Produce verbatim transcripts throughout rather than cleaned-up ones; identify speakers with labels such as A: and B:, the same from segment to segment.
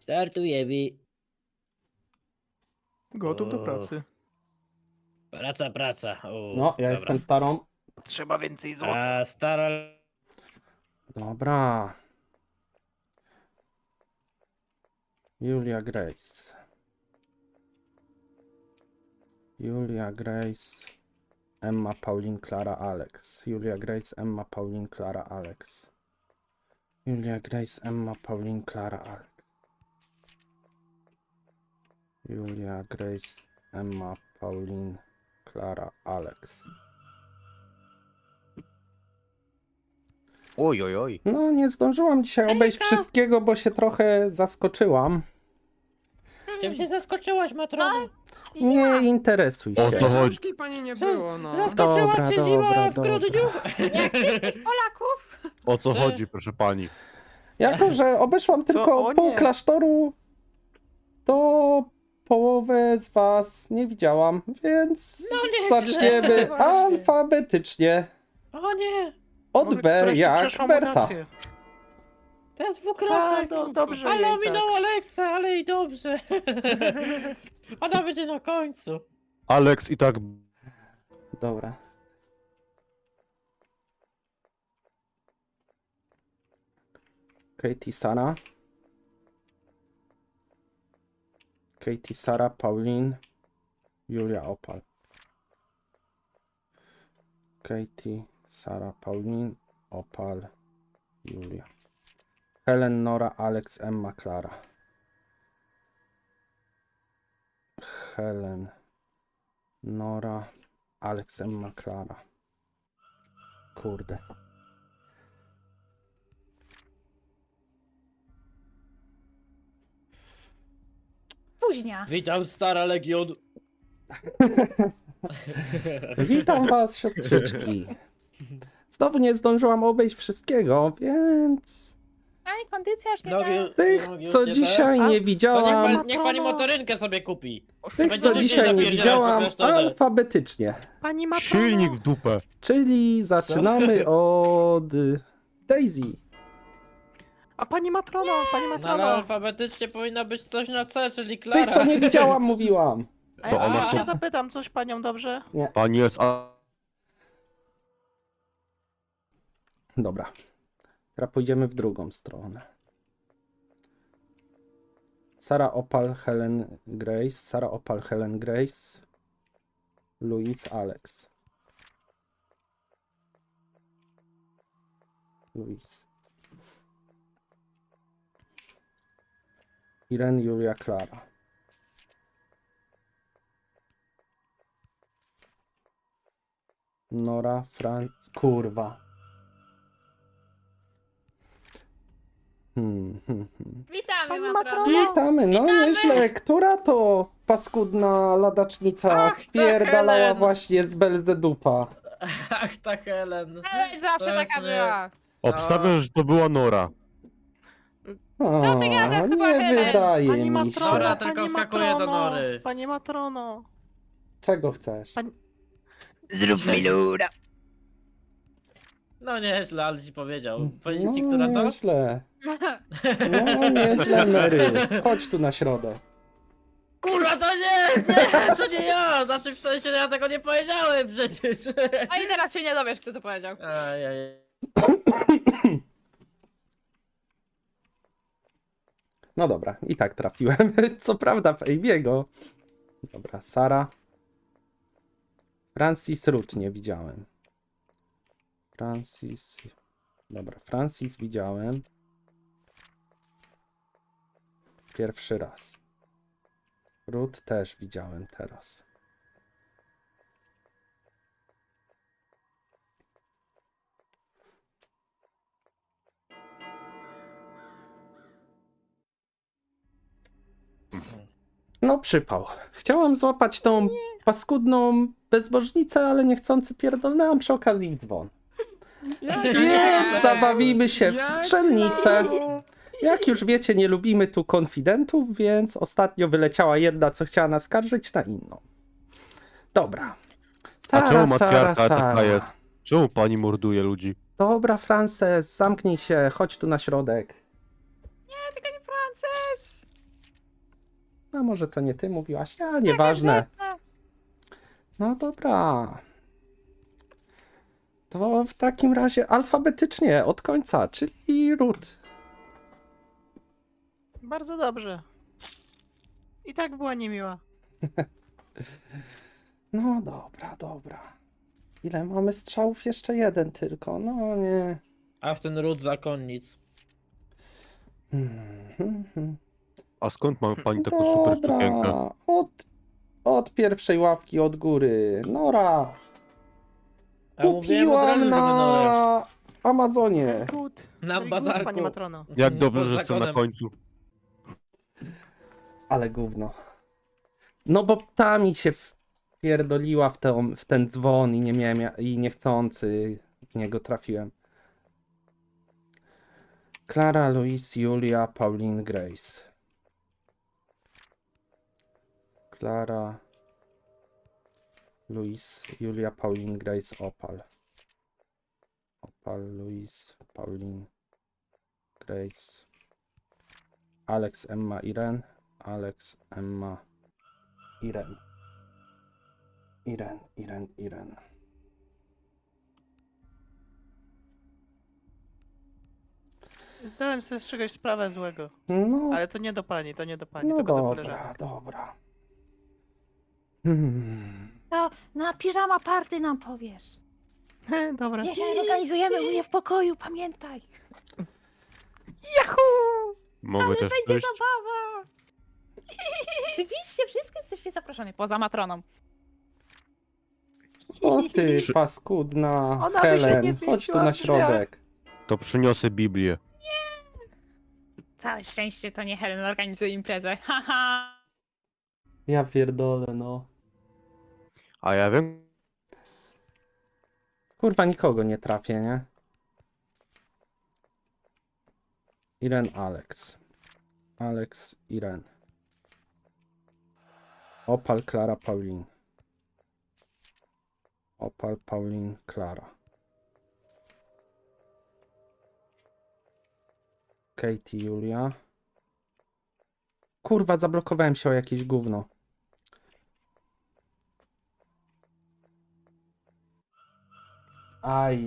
A: Startujemy.
B: Gotów do
A: O.
B: pracy.
A: Praca, praca. O,
C: No, ja
A: dobra.
C: jestem starą.
B: Trzeba więcej złota.
A: A stara...
C: Dobra. Julia Grace. Julia Grace. Emma Pauline Clara Alex. Julia Grace Emma Pauline Clara Alex. Julia Grace Emma Pauline Clara Alex. Julia Grace Emma Pauline Clara Alex.
D: Oj, oj, oj.
C: No, nie zdążyłam dzisiaj obejść wszystkiego, bo się trochę zaskoczyłam.
A: Czym się zaskoczyłaś, Matrono?
C: Nie interesuj się.
D: O co chodzi?
B: Książki pani nie było, no.
A: Zaskoczyła
C: Dobra,
A: cię
C: dobra,
A: zima w
C: dobra.
A: grudniu?
E: Jak wszystkich Polaków.
D: O co
A: Czy-
D: chodzi, proszę pani?
C: Jako, że obeszłam tylko
B: O
C: pół
B: nie.
C: klasztoru, to połowę z was nie widziałam, więc
A: No nieźle.
C: zaczniemy
E: Właśnie.
C: alfabetycznie.
A: O nie!
C: Od
B: Może
C: B
B: któraś tu
C: jak
B: przeszła
C: Berta.
B: mutację.
A: To jest
B: A,
A: dwukrotnie.
B: no, dobrze
A: Ale
B: jej
A: ominął
B: tak.
A: Aleksa, ale i dobrze. Ona będzie na końcu.
D: Alex i tak...
C: Dobra. Katie Sara. Katie Sara, Pauline, Julia Opal. Katie, Sara, Pauline, Opal, Julia. Helen, Nora, Alex, Emma, Clara. Helen, Nora, Alex, Emma, Clara. Kurde.
E: Późnia.
A: Witam, stara Legion.
C: Witam was, siostrzyczki. Znowu nie zdążyłam obejść wszystkiego, więc
E: Aj, kondycja już nie
A: Nogi,
E: da.
C: tych,
A: nogi
C: co
A: już nie
C: dzisiaj
B: A,
C: nie
A: To niech,
C: widziałam,
A: pan, niech pani motorynkę sobie kupi.
C: tych,
A: będzie
C: co
A: szybciej
C: dzisiaj nie
A: zapierdzielać po
C: widziałam,
A: klasztorze.
C: alfabetycznie.
B: Pani Matrono.
D: Silnik w dupę.
C: Czyli zaczynamy od Daisy.
B: A pani Matrono, pani
A: No ale
B: Matrono.
A: alfabetycznie powinno być coś na C, czyli
C: Tych,
A: Klara.
C: co nie widziałam, mówiłam.
B: A ja
D: To ona
B: może się
D: co?
B: zapytam coś panią, dobrze?
D: Pani jest... A...
C: Dobra. Teraz pójdziemy w drugą stronę. Sara Opal, Helen Grace. Sara Opal, Helen Grace. Louise Alex. Louise. Irene Julia Klara. Nora Franc... Kurwa. Hmm, hmm, hmm.
E: Witamy,
B: Pani
E: Matrono.
B: Matrono.
C: Witamy, no nieźle. Która to paskudna ladacznica
A: Ach, ta
C: spierdalała
A: Helen.
C: właśnie z Belzedupa?
A: Ach, ta Helen.
E: Ale zawsze
A: To jest
E: taka
A: nie-
E: była.
D: Obstawiam, że to była Nora.
C: O,
E: Co ty gadasz, to była
C: nie
E: Helen?
C: wydaje
B: Pani
C: mi
B: Matrono,
A: Dobra,
C: się.
A: tylko
B: pani
A: wskakuje do
B: Matrono.
A: nory.
B: Pani Matrono.
C: Czego chcesz?
B: Pani-
A: Zrób mi luda. No nieźle, ale ci powiedział. Powiedzieć ci,
C: No
A: która to?
C: nieźle. No nieźle, Mary. Chodź tu na środek.
A: Kurwa, to nie, nie, to nie ja! Znaczy w sensie ja tego nie powiedziałem przecież.
E: No i teraz się nie dowiesz, kto to powiedział.
A: Ajaj.
C: No dobra, i tak trafiłem. Co prawda w Ejbiego. Dobra, Sara. Francis Root nie widziałem. Francis. Dobra, Francis widziałem. Pierwszy raz. Root też widziałem teraz. No przypał. Chciałam złapać tą paskudną bezbożnicę, ale niechcący pierdolnęłam przy okazji w dzwon. Więc zabawimy się w strzelnicę. Jak już wiecie, nie lubimy tu konfidentów, więc ostatnio wyleciała jedna, co chciała naskarżyć na inną. Dobra.
D: A
C: Sara,
D: czemu
C: Sara,
D: matriarcha taka
C: Sara.
D: jest? Czemu pani morduje ludzi?
C: Dobra, Frances, zamknij się, chodź tu na środek.
E: Nie, tylko nie Frances.
C: A może to nie ty mówiłaś? A, nieważne.
E: No,
C: No dobra. To w takim razie alfabetycznie od końca, czyli Ruth.
B: Bardzo dobrze. I tak była niemiła.
C: No dobra, dobra. Ile mamy strzałów? Jeszcze jeden tylko. No nie.
A: Ach, ten ród zakonnic.
C: Hmm, hmm, hmm.
D: A skąd ma pani taką super sukienkę?
C: Dobra. Od, od pierwszej łapki od góry. Nora.
A: A mówiłem od razu,
C: Kupiłam
A: żeby Norę.
C: na Amazonie.
B: Good.
A: Na
B: Very good,
A: bazarku.
B: Pani Matrono.
D: Jak
A: Pod
D: dobrze, że jestem na
A: zakonem.
D: końcu.
C: Ale gówno. No bo ta mi się wpierdoliła w, tą, w ten dzwon i nie miałem ja- i niechcący w niego trafiłem. Klara, Louise, Julia, Pauline, Grace. Klara, Louise, Julia, Pauline, Grace, Opal. Opal, Louise, Pauline, Grace. Alex, Emma, Irene. Alex, Emma, Irene. Irene, Irene, Irene.
B: Zdałem sobie z czegoś sprawę złego.
C: No,
B: Ale to nie do pani, to nie do pani,
C: no
B: tylko do
C: dobra,
B: koleżanek.
C: dobra. Hmm.
E: To na piżama party nam powiesz.
B: Dobra.
E: Dzisiaj organizujemy u mnie w pokoju, pamiętaj.
B: Yahoo!
D: Mogę też
E: Będzie
D: przyjść?
E: zabawa. Oczywiście, wszyscy jesteście zaproszeni, poza Matroną.
C: O ty
D: Przy-
C: paskudna
B: Ona by się
C: Helen,
B: nie
C: chodź tu
B: zmieściła
C: na
B: w drzwiach.
C: środek.
D: To przyniosę Biblię.
E: Całe szczęście to nie Helen organizuje imprezę. Haha.
C: Ja pierdolę, no.
D: A ja wiem,
C: Kurwa, nikogo nie trafię, nie? Irene, Alex. Alex, Irene. Opal, Klara, Pauline. Opal, Pauline, Klara. Katie, Julia. Kurwa, zablokowałem się o jakieś gówno. Aj.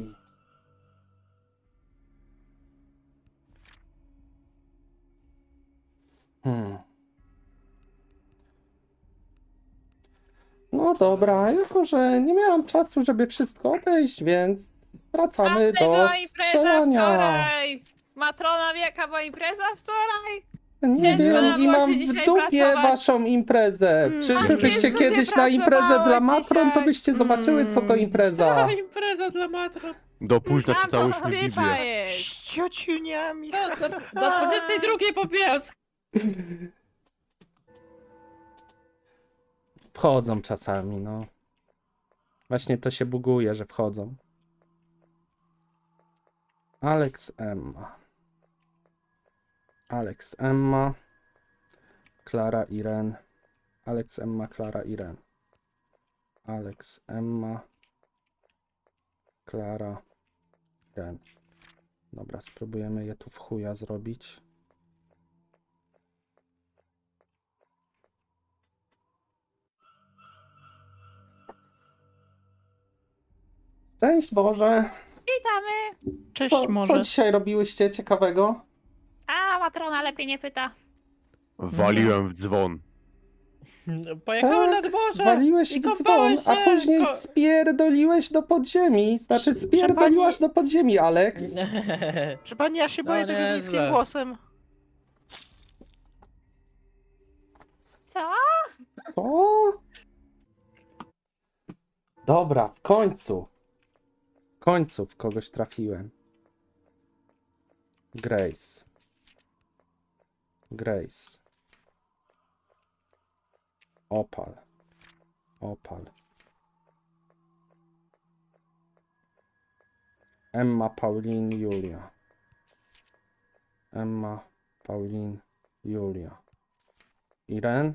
C: Hmm. No dobra, jako że nie miałam czasu, żeby wszystko obejść, więc wracamy do
E: była impreza
C: strzelania.
E: wczoraj. Matrona wieka była impreza wczoraj.
C: Nie
E: Ciężko
C: wiem,
E: nam
C: i
E: było
C: mam
E: się
C: w
E: dzisiaj
C: dupie
E: pracować.
C: waszą imprezę.
B: Mm,
C: Przyszłybyście
E: ciężko się
C: kiedyś na imprezę
E: pracowało
C: dla matron, to
E: dzisiaj.
C: byście zobaczyły, co to
B: Mm.
C: impreza.
A: Ta impreza dla matron.
D: do późna
E: Tam to
D: czytałyśmy
E: skrypa
D: Biblię.
E: jest.
B: Z ciociuniami.
A: Do, do, do dwudziestej drugiej po pies.
C: Wchodzą czasami, no. Właśnie to się buguje, że wchodzą. Alex, Emma. Alex, Emma. Klara, Irene. Alex, Emma, Klara, Irene. Alex, Emma. Klara, Irene. Dobra, spróbujemy je tu w chuja zrobić. Cześć Boże!
E: Witamy.
B: Cześć
C: Co,
B: może.
C: co dzisiaj robiłyście ciekawego?
E: A, Matrona lepiej nie pyta.
D: Waliłem w dzwon.
A: Pojechałem
C: Tak,
A: nad morze.
C: Waliłeś
A: i
C: w dzwon,
A: kąpałem
C: a
A: się,
C: później
A: ko-
C: spierdoliłeś do podziemi. Znaczy
B: Proszę
C: spierdoliłaś
B: pani-
C: do podziemi, Alex.
B: Proszę pani, ja się boję
A: No
B: tego z
A: niezłe.
B: niskim głosem.
E: Co?
C: Co? Dobra, w końcu. W końcu w kogoś trafiłem. Grace. Grace. Opal. Opal. Emma, Pauline, Julia. Emma, Pauline, Julia. Irene.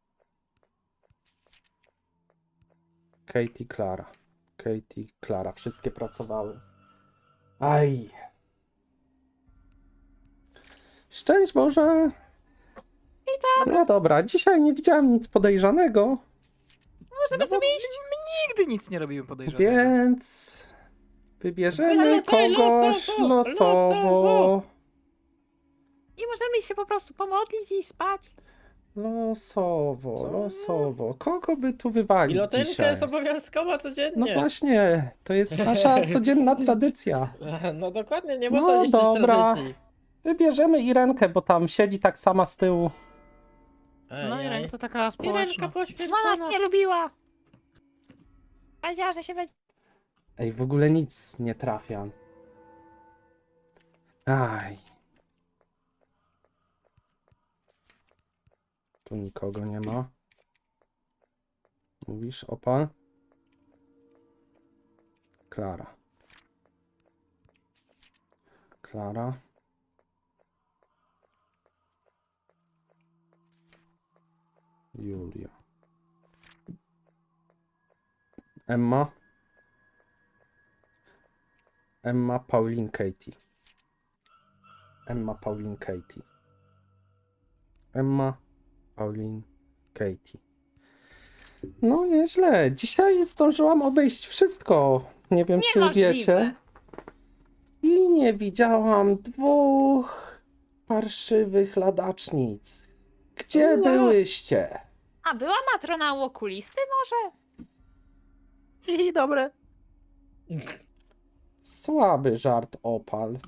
C: Katie, Klara. Katie, Klara. Wszystkie pracowały. Aj. Szczęść Boże. No dobra, dzisiaj nie widziałem nic podejrzanego,
E: Możemy
B: No bo
E: sobie iść.
B: nigdy nic nie robimy podejrzanego.
C: więc wybierzemy
A: Wylatuj
C: kogoś
A: losowo,
C: losowo.
A: losowo.
E: I możemy się po prostu pomodlić i spać.
C: Losowo,
A: Co?
C: losowo. Kogo by tu wywalić
A: Pilotenka
C: dzisiaj?
A: jest obowiązkowa
C: No
A: codziennie.
C: właśnie, to jest nasza codzienna tradycja.
A: No dokładnie, nie
C: No
A: można niszczyć
C: dobra.
A: tradycji.
C: Wybierzemy Irenkę, bo tam siedzi tak sama z tyłu.
A: Ej,
B: No
A: ej.
B: Irene to taka
A: Irenka
B: społeczna.
E: Ona nas
A: poświęcona.
E: nie lubiła. Powiedziała, że się będzie...
C: Ej, w ogóle nic nie trafia. Aj. Tu nikogo nie ma. Mówisz, opal? Klara. Klara. Julia. Emma. Emma, Pauline, Katie. Emma, Pauline, Katie. Emma, Pauline, Katie. No nieźle. Dzisiaj zdążyłam obejść wszystko. Nie wiem, czy
E: Niemożliwe.
C: wiecie. I nie widziałam dwóch parszywych ladacznic. Gdzie
A: Ua.
C: byłyście?
E: A była matrona u okulisty może?
B: I dobre.
C: Słaby żart, opal.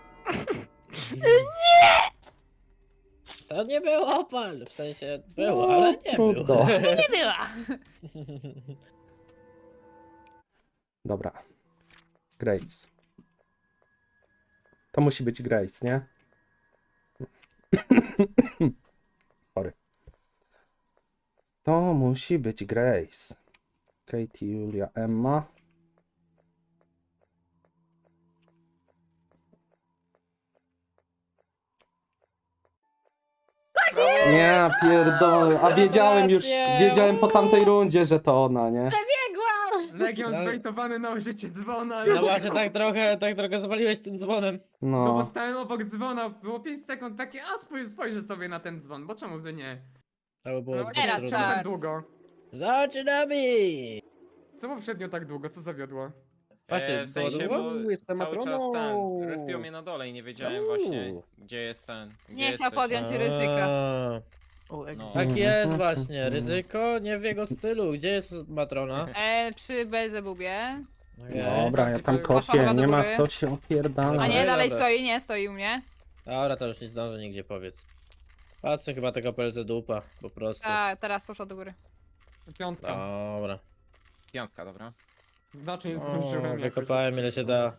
A: To nie był opal, w sensie było,
C: No,
A: ale nie
C: trudno.
A: był.
E: Nie była.
C: Dobra. Grace. To musi być Grace, nie? Sorry. To musi być Grace. Katie, Julia, Emma. Nie, pierdolę. A wiedziałem już,
A: Gratulacje.
C: wiedziałem po tamtej rundzie, że to ona, nie?
E: Biegła.
F: Legion
A: No.
F: zbejtowany na użycie dzwona.
A: No właśnie, tak trochę, tak trochę zawaliłeś tym dzwonem.
F: No bo
C: No.
F: stałem obok dzwona, było pięć sekund takie, a spój, spojrzę sobie na ten dzwon, bo czemu by nie?
A: To by było
F: No,
A: zbyt
E: teraz
F: czemu
A: trudne.
F: tak długo?
A: Zaczynamy!
F: Co poprzednio tak długo, co zawiodło?
A: Właśnie,
G: E, w sensie,
A: było
G: bo
A: Jestem
G: cały czas
A: matroną.
G: ten, respił mnie na dole i nie wiedziałem właśnie,
A: Uuu.
G: gdzie jest ten, gdzie
E: Nie chciał
G: jesteś.
E: podjąć ryzyka.
A: A,
B: O, jak...
G: No.
A: Tak jest właśnie, ryzyko nie w jego stylu. Gdzie jest matrona?
E: E, przy Belzebubie.
A: Okej.
C: Dobra, ja tam
F: Poszła
C: kopię,
E: chyba do
C: nie ma
E: góry.
C: co się opierdala.
E: A nie,
A: Dobra.
E: dalej stoi, nie, stoi u mnie.
A: Dobra, to już nie zdążę nigdzie powiedz. Patrzę chyba tego pelce dupa, po prostu.
E: Tak, teraz poszła do góry.
F: Piątka.
A: Dobra.
G: Piątka, dobra.
F: Znaczy nie
A: O,
F: zdążyłem. jakoś.
A: wykopałem ile się da.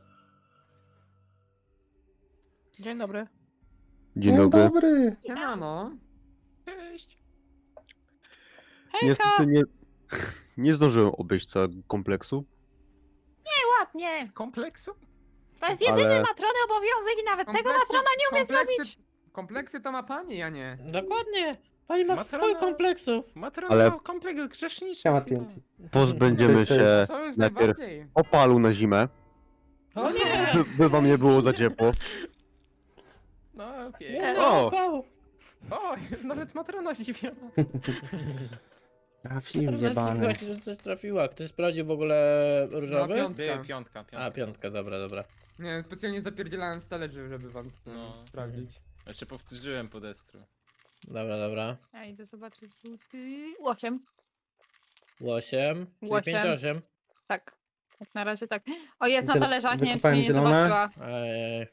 B: Dzień dobry.
D: Dzień
C: Dzień
D: dobry.
C: dobry.
F: Siemano.
G: Cześć.
D: Niestety nie, nie zdążyłem obejść całego kompleksu,
E: Ładnie.
F: Kompleksu?
E: To jest jedyny
D: ale
E: matrony obowiązek i nawet tego
F: Kompleksy-
E: matrona nie umie
F: kompleksy-
E: zrobić.
F: Kompleksy to ma pani, ja nie.
A: Dokładnie. Pani ma
G: Matrona-
A: swój kompleksów.
G: Matrona,
D: Ale-
G: kompleks grzeszniczy.
C: Siema,
G: chyba.
C: T N T.
D: pozbędziemy
C: Cześć, cześć.
D: się
F: To już
D: najpierw
F: najbardziej.
D: opalu na zimę,
A: O nie!
D: by, by wam nie było za ciepło.
G: No,
A: Nie,
G: pięknie.
A: no,
D: O!
A: Paweł.
G: O, nawet matrona zdziwiona.
C: Trafił
A: Matrona
C: jebany.
A: zdziwiła się, że coś trafiła. Ktoś sprawdził w ogóle
F: No,
A: różowy?
F: piątka.
G: By, piątka, piątka.
A: A, piątka, dobra, dobra.
F: Nie, specjalnie zapierdzielałem z talerzy, żeby wam to
G: No.
F: sprawdzić.
G: Jeszcze powtórzyłem po destru.
A: Dobra, dobra.
E: Ja idę zobaczyć buty. Osiem.
A: Łosiem, czyli
E: Łosiem.
A: pięć osiem.
E: Tak. Jak na razie tak. O, jest na
C: Ziel-
E: talerzach, nie wiem, czy
C: wykopałem
E: mnie nie
C: zielone?
E: zobaczyła.
A: Ej,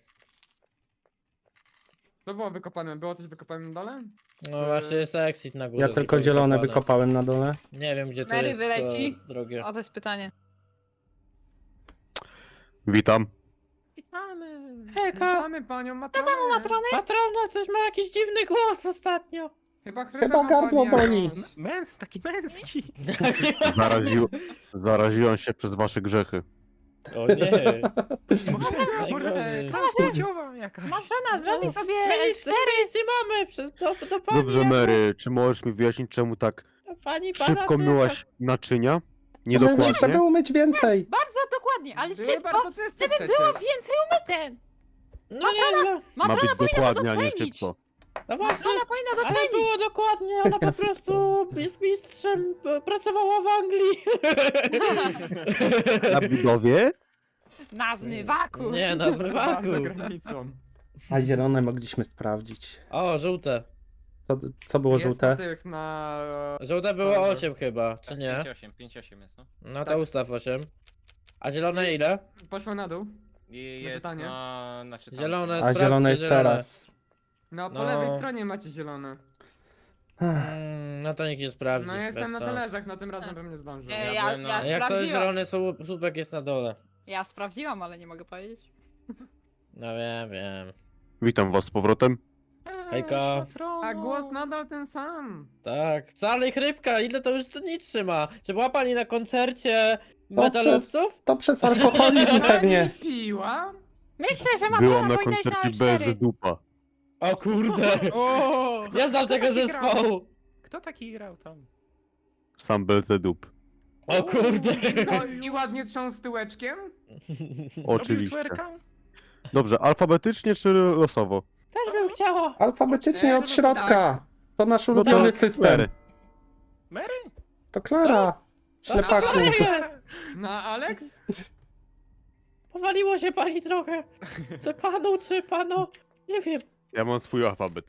F: Co było wykopane? Było coś wykopane na dole?
A: no właśnie jest exit na górze.
C: Ja tylko
A: tylko
C: zielone
A: wykopane.
C: wykopałem na dole.
A: Nie wiem gdzie to
E: Mary
A: jest
E: wyleci.
A: to drogie.
E: O, to jest pytanie.
D: Witam.
F: Witamy!
A: Hejka!
F: Witamy panią matronę!
E: Matrony?
A: Patrona coś ma jakiś dziwny głos ostatnio.
F: Chyba, chyba,
C: Chyba
F: ma
C: gardło
F: pani
C: boli.
F: jakąś-
B: Men, taki męski.
D: Zaraził, zaraziłem się przez wasze grzechy.
A: O nie.
B: Może, może
A: Najgorzej.
B: transpłciowa jakaś.
E: Matrona, zrobi sobie
A: Ej,
E: cztery.
A: nic nie mamy, przez to, do pani.
D: Dobrze, Mary, czy możesz mi wyjaśnić, czemu tak
A: Pani pana
D: szybko
A: syna.
D: myłaś naczynia?
C: Żeby
D: Niedokładnie.
C: umyć więcej.
E: Bardzo dokładnie, ale
F: Były
E: szybko.
F: bardzo czyste
E: Gdyby było
F: przecież.
E: więcej umyte.
A: No nie, no.
D: Ma
E: Matrona
D: być
E: powinna to
D: dokładnie, a nie
E: docenić.
D: szybko.
A: No właśnie,
E: Ona powinna
A: ale
E: docenić.
A: było dokładnie, ona po prostu jest mistrzem, p- pracowała w Anglii.
D: Na budowie?
E: Na zmywaku.
A: Nie, na
F: Za
A: zmywaku.
F: granicą.
C: A zielone mogliśmy sprawdzić.
A: O, żółte.
C: Co, co było
F: Jest na
C: żółte?
F: tych, na...
A: Żółte było
F: Dobrze.
A: osiem chyba, czy nie?
G: pięć osiem, pięć osiem jest, no.
A: No to
F: Tak.
A: ustaw osiem. A zielone ile?
F: Poszło na dół.
G: I
F: Na
G: jest
F: czytanie?
G: na... Znaczy tam,
A: Zielone
C: A
A: sprawdźcie
C: zielone jest
A: zielone.
C: teraz.
F: No, po
A: No.
F: lewej stronie macie zielone.
A: Mm, no to nikt nie sprawdzi.
F: No, ja jestem
A: bez
F: na
A: sensu.
F: talerzach, na tym razem bym nie zdążył.
E: Nie,
G: Ja
E: ja,
G: byłem
E: ja,
G: na-
A: A jak to jest
E: sprawdziłam.
A: zielony słup- słupek jest na dole?
E: Ja sprawdziłam, ale nie mogę powiedzieć.
A: No wiem, wiem.
D: Witam was z powrotem.
A: Hejka.
F: A głos nadal ten sam.
A: Tak, wcale ich rybka, ile to już nic trzyma? Czy była pani na koncercie
C: To przez,
A: metalowców?
C: to przez alkoholizm pewnie.
F: Pani piła?
E: Myślę, że ma
D: Byłam na
E: powinna iść na
D: koncercie
E: A
D: B
E: cztery.
D: Z Dupa.
A: O kurde!
G: O!
A: Ja znam tego
G: taki grał?
A: zespołu!
G: Kto taki grał tam?
D: Sam Belzedup.
A: O kurde!
F: To i ładnie trząs tyłeczkiem?
G: Robił
D: Oczywiście.
G: twerka?
D: Dobrze, alfabetycznie czy losowo?
A: Też bym chciała!
C: Alfabetycznie od
F: E,
C: środka.
F: tak.
C: To nasz
D: No to
C: ulubiony system.
D: cztery.
G: Mary?
C: To Klara. Ślepaku.
F: Na Alex?
A: Powaliło się pani trochę! Czy panu, czy panu? Nie wiem.
D: Ja mam swój alfabet.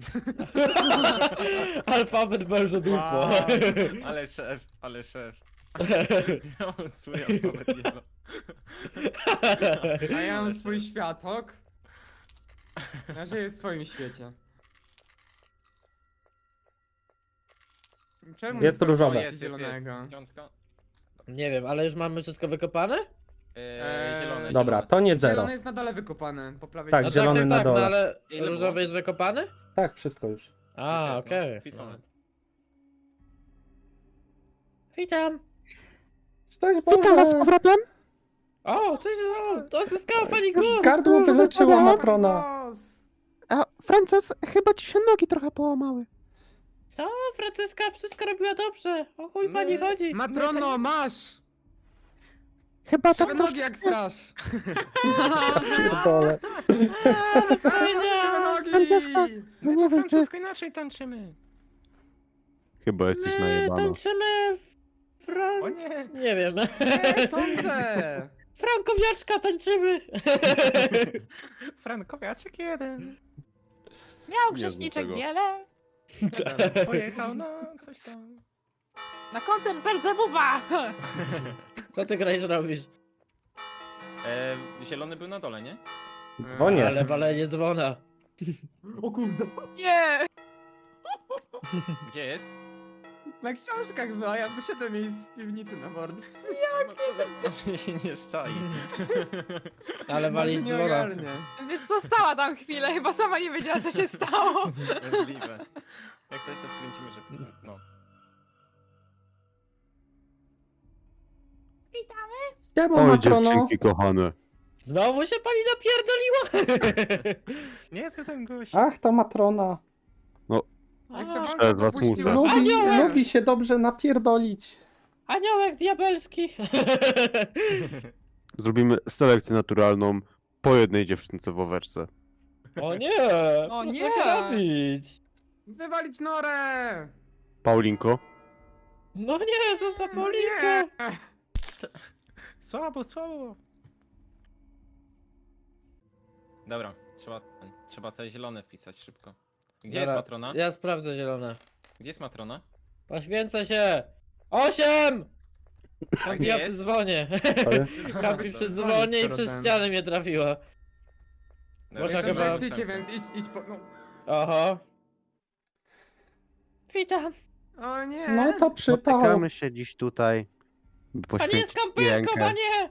A: Alfabet bardzo dupo.
G: Wow. Ale szef, ale szef. Ja mam swój alfabet yellow.
F: A ja mam swój światok. Ja żyję w swoim świecie. Czemu
C: Jest
F: nie
C: różowe.
F: sprawdziłeś
G: Jest, jest, jest.
F: zielonego?
G: Piątka.
A: Nie wiem, ale już mamy wszystko wykopane?
G: Eee, zielone,
C: Dobra,
G: zielone.
C: to nie zero.
F: Zielony jest na dole wykopany, po prawej
C: Tak,
A: No
F: stronie.
C: zielony
A: tak,
C: na
A: tak, tak,
C: dole.
A: no ale
G: Ile
A: różowy
G: było?
A: jest wykopany?
C: Tak, wszystko już.
A: A,
G: Już jest, no,
A: okej.
G: wpisane.
A: Witam.
C: Cześć Boże.
B: powrotem.
A: O, coś, o, to zyskała pani głos.
C: Gardło wyleczyła Matrona.
F: Boss.
B: A Frances, chyba ci się nogi trochę połamały.
A: Co? Franceska wszystko robiła dobrze. O chuj pani
G: My-
A: chodzi.
F: Matrono, masz!
B: Chyba
F: Krzywe
B: tam
F: nogi jak strasz!
C: Dole.
A: A, co
F: Krzywe
A: powiedziałam?
F: nogi!
B: No
G: My
B: nie
G: po
B: wiem, czy...
G: francusku inaczej tańczymy.
D: Chyba jesteś
A: My
D: najebana.
A: tańczymy
G: O
A: Frank...
G: nie!
A: Nie wiem.
F: Nie sądzę!
A: Frankowiaczka tańczymy.
G: Frankowiaczek jeden.
E: Miał
D: Nie
E: grzeszniczek
D: znam tego.
E: wiele.
G: Pojechał na coś tam.
E: Na koncert Belzebuba.
A: Co ty graj zrobisz?
G: E, zielony był na dole, nie?
C: Dzwonię.
A: Ale walenie dzwona.
F: O kurde.
E: Nie.
G: Gdzie jest?
F: Na książkach była, ja wyszedłem jej z piwnicy na mord.
G: Może się nie szczai.
A: Ale wali
F: Może nie
A: dzwona.
F: ogarnie.
E: Wiesz co, stała tam chwilę, chyba sama nie wiedziała co się stało.
G: Możliwe. Jak coś to wkręcimy, że... No.
C: Siema
D: Oj,
C: Matrono.
D: dziewczynki kochane.
A: Znowu się pani napierdoliła.
G: Nie jest ten gość.
C: Ach, ta Matrona.
F: Jak to
A: A,
F: wam
D: Przez was
F: popuściła?
D: muszę.
C: Lubi,
F: Nie.
C: lubi się dobrze napierdolić.
A: Aniołek diabelski.
D: Zrobimy selekcję naturalną po jednej dziewczynce w owerce.
A: O nie.
E: O
A: co
E: nie.
A: tak robić?
F: Wywalić norę!
D: Paulinko?
A: No nie, co za
F: No
A: Paulinkę.
F: nie.
G: Słabo, słabo. Dobra, trzeba, trzeba te zielone wpisać szybko. Gdzie jest
A: Dobra,
G: matrona?
A: Ja sprawdzę zielone.
G: Gdzie jest matrona?
A: Poświęcę się. Osiem!
G: A gdzie
A: Ja
G: jest?
A: przy dzwonie.
C: Sorry.
A: Kampi przy dzwonie i przez ścianę mnie trafiła.
G: Dobra,
A: Można
F: Jeszcze
A: chyba-
F: przejdziecie, więc idź, idź po... No.
A: Oho. Witam.
F: O nie!
C: No to przypał.
D: Spotykamy się dziś tutaj, by
A: Pani jest
D: poświęcić
A: kamperką, a
D: rękę
A: nie!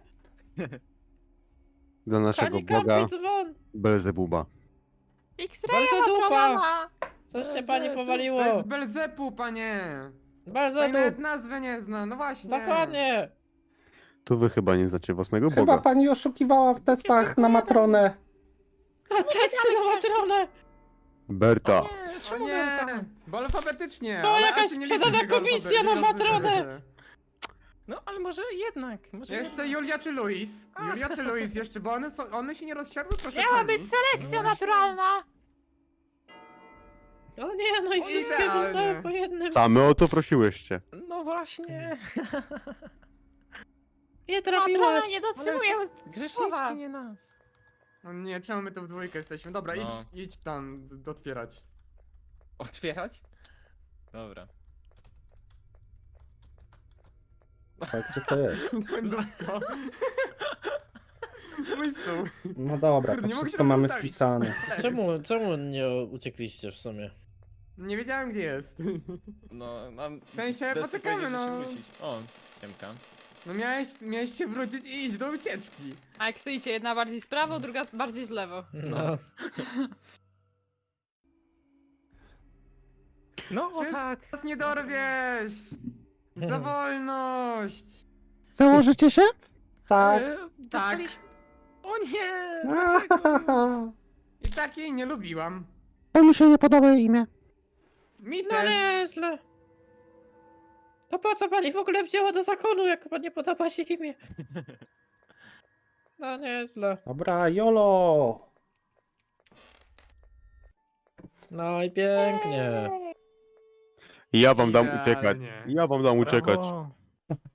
D: dla naszego
A: Pani
D: Boga
A: kampi dzwon.
D: Belzebuba.
E: X-raya
A: Bardzo dupa.
E: Matrona.
A: Coś się pani
F: To
A: powaliło.
F: jest Belzepu, panie!
A: Bardzo
F: Pani nawet
A: dup.
F: nazwy nie zna, no właśnie.
A: Dokładnie.
D: Tu wy chyba nie znacie własnego
C: Chyba
D: Boga.
C: pani oszukiwała w testach na Matronę.
A: A testy na matronę.
D: Berta.
G: Nie,
F: O
G: czemu
F: nie!
G: tam?
F: Bo alfabetycznie!
A: To
F: ale
A: jakaś
F: a się nie
A: sprzedana
F: liczy tego
A: komisja
F: alfabetu,
A: na
F: nie rozumiem.
A: Matronę.
G: No, ale może jednak. Może
F: Jeszcze
G: jednak.
F: Julia czy Luis? Julia czy Luis jeszcze, bo one, są, one się nie rozsiadły, proszę
E: Miała
F: pani.
E: być selekcja naturalna.
A: O nie, no i
F: O,
A: wszystkie
F: idealnie.
A: dostały po jednym.
D: Same o to prosiłyście.
G: No właśnie.
A: Nie
E: Patrona
A: trafiłaś.
E: nie dotrzymuje
G: Grzeszniczki
E: słowa.
G: nie nas.
F: O nie, czemu my tu w dwójkę jesteśmy? Dobra,
G: No.
F: idź, idź tam d- otwierać.
G: Otwierać? Dobra.
C: Tak, gdzie to jest?
F: Błędowsko. Mój stół.
C: No dobra,
F: Kurde,
C: to
F: nie mogę się
C: wszystko
F: tam
C: mamy
F: przestawić.
C: wpisane.
A: Czemu, czemu nie uciekliście w sumie?
F: Nie wiedziałem gdzie jest.
G: No, nam...
F: W sensie,
G: Desty
F: poczekamy,
G: powiedział, że się
F: no.
G: myślić. O, Siemka.
F: No miałeś, miałeś się wrócić i iść do ucieczki.
E: A jak stoicie, jedna bardziej z prawo, druga bardziej z lewo.
A: No.
G: No, o
F: Wszystko
G: tak.
F: Nas nie dorwiesz! Za wolność!
B: Założycie się?
C: Tak.
G: E,
F: Tak.
G: dostaliśmy- O nie! Dlaczego?
F: I tak jej nie lubiłam.
B: To mi się nie podoba jej imię.
F: Mi
A: No
F: też.
A: nieźle. To po co pani w ogóle wzięła do zakonu, jak pan nie podoba się imię? No nieźle.
C: Dobra, jolo!
A: No i pięknie.
D: Ja wam dam uciekać.
F: Idealnie.
D: Ja wam dam uciekać.
B: Brawo.